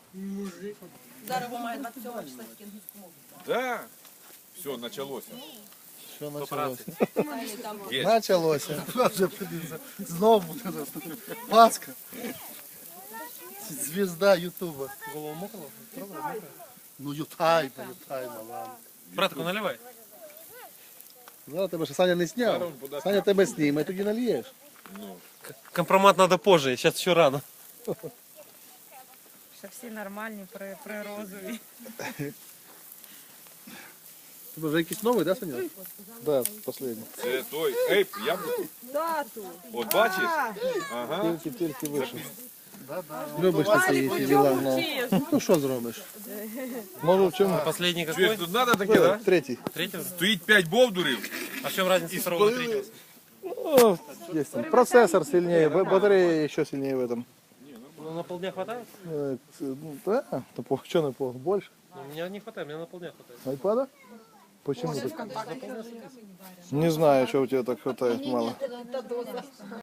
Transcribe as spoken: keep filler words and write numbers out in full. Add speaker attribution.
Speaker 1: Зараз має двадцять сьомого числа тільки англійську мову.
Speaker 2: Да. Все, началось.
Speaker 3: Що почалося?
Speaker 2: Есть.
Speaker 3: Началося. Знову буде Пасха. Звезда Ютуба.
Speaker 4: Голову мокрого?
Speaker 3: Ну ютайма, ютайма, ладно.
Speaker 4: Братку, наливай.
Speaker 3: Зараз тебе ще Саня не зняв. Саня тебе зніме, тоді нальєш.
Speaker 4: Компромат надо позже, сейчас еще рано.
Speaker 5: Ще всі нормальні, при, при розові.
Speaker 3: Тебе вже якийсь новий, да, Саня? Да, останній.
Speaker 2: Це той ейп, яблуко.
Speaker 5: Тату!
Speaker 2: От бачиш? Ага.
Speaker 3: Тільки, тільки вийшов. Любиш ти ці діла. Ну. Ну що зробиш? Може в чому?
Speaker 4: Последний
Speaker 2: Чуєш,
Speaker 4: какой?
Speaker 2: тут надо таке, да?
Speaker 3: Третій.
Speaker 4: Третьего?
Speaker 2: Стоїть п'ять бовдурів.
Speaker 4: А в чем разница второго и третьего?
Speaker 3: О, есть там. Процессор сильнее, ба- батарея еще сильнее в этом.
Speaker 4: Ну, на полдня хватает?
Speaker 3: Э, ну, да, то по, что на по, больше?
Speaker 4: Ну, у меня не хватает, мне на полдня хватает.
Speaker 3: Айпада? Почему так? Не знаю, что у тебя так хватает мало.